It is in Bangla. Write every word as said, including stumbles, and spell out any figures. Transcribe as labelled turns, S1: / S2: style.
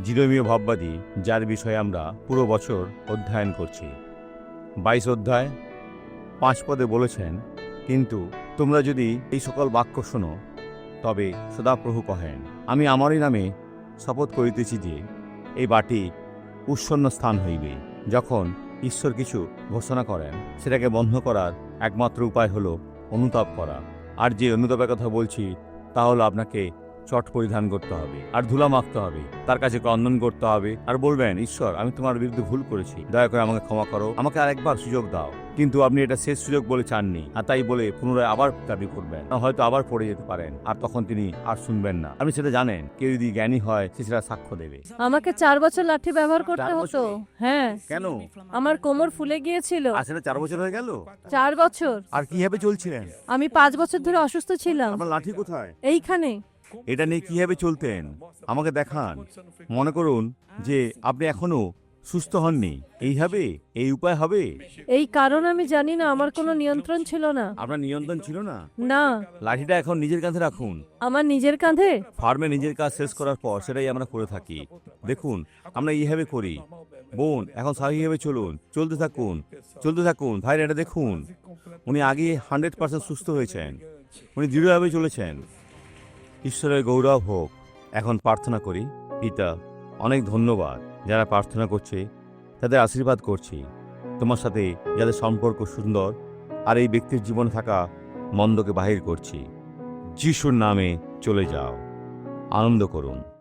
S1: জিরোমীয় ভাববাদী, যার বিষয়ে আমরা পুরো বছর অধ্যয়ন করছি। বাইশ অধ্যায় পাঁচ পদে বলেছেন, কিন্তু তোমরা যদি এই সকল বাক্য শোনো, তবে সদাপ্রভু কহেন, আমি আমারই নামে শপথ করিতেছি যে এই বাটি উৎসন্ন স্থান হইবে। যখন ঈশ্বর কিছু ঘোষণা করেন, সেটাকে বন্ধ করার একমাত্র উপায় হলো অনুতাপ করা। আর যে অনুতাপের কথা বলছি, তা হলো আপনাকে চট পরিধান করতে হবে আর ধুলা মাখতে হবে, তার কাছে ক্রন্দন করতে হবে আর বলবেন, ঈশ্বর, আমি তোমার বিরুদ্ধে ভুল করেছি, দয়া করে আমাকে ক্ষমা করো, আমাকে আরেকবার সুযোগ দাও। কিন্তু আপনি এটা শেষ সুযোগ বলে চাননি, আর তাই বলে পুনরায় আবার দাবি করবেন, হয়তো আবার পড়ে যেতে পারেন, আর তখন তিনি আর শুনবেন না। আপনি সেটা জানেন। কেউ যদি জ্ঞানী হয়, সে সেটা সাক্ষ্য দেবে।
S2: আমাকে চার বছর লাঠি ব্যবহার করতে
S1: চার
S2: হতো।
S1: বছর?
S2: হ্যাঁ,
S1: কেন?
S2: আমার কোমর ফুলে গিয়েছিল।
S1: আর সেটা চার বছর হয়ে গেল?
S2: চার বছর।
S1: আর কিভাবে চলছিলেন?
S2: আমি পাঁচ বছর ধরে অসুস্থ ছিলাম।
S1: আপনার লাঠি কোথায়?
S2: এইখানে।
S1: এটা নিয়ে কিভাবে চলতেন আমাকে দেখান। মনে করুন যে আপনি এখনো সুস্থ হননি, এইভাবে এই উপায় হবে?
S2: এই কারণ আমি জানি না, আমার কোনো নিয়ন্ত্রণ ছিল না।
S1: আপনার নিয়ন্ত্রণ ছিল না?
S2: না।
S1: লাঠিটা এখন নিজের কাঁধে রাখুন।
S2: আমার নিজের কাঁধে?
S1: ফার্মে নিজের কাজ শেষ করার পর সেটাই আমরা করে থাকি। দেখুন, আমরা এইভাবে করি। বোন, এখন স্বাভাবিকভাবে চলুন, চলতে থাকুন, চলতে থাকুন। ভাই, এটা দেখুন, উনি আগে হান্ড্রেড পার্সেন্ট সুস্থ হয়েছেন, উনি দৃঢ়ভাবে চলেছেন। ঈশ্বরের গৌরব হোক। এখন প্রার্থনা করি। পিতা, অনেক ধন্যবাদ যারা প্রার্থনা করছে, তাদের আশীর্বাদ করছি। তোমার সাথে যাদের সম্পর্ক সুন্দর, আর এই ব্যক্তির জীবনে থাকা মন্দকে বাহির করছি। যিশুর নামে চলে যাও, আনন্দ করুন।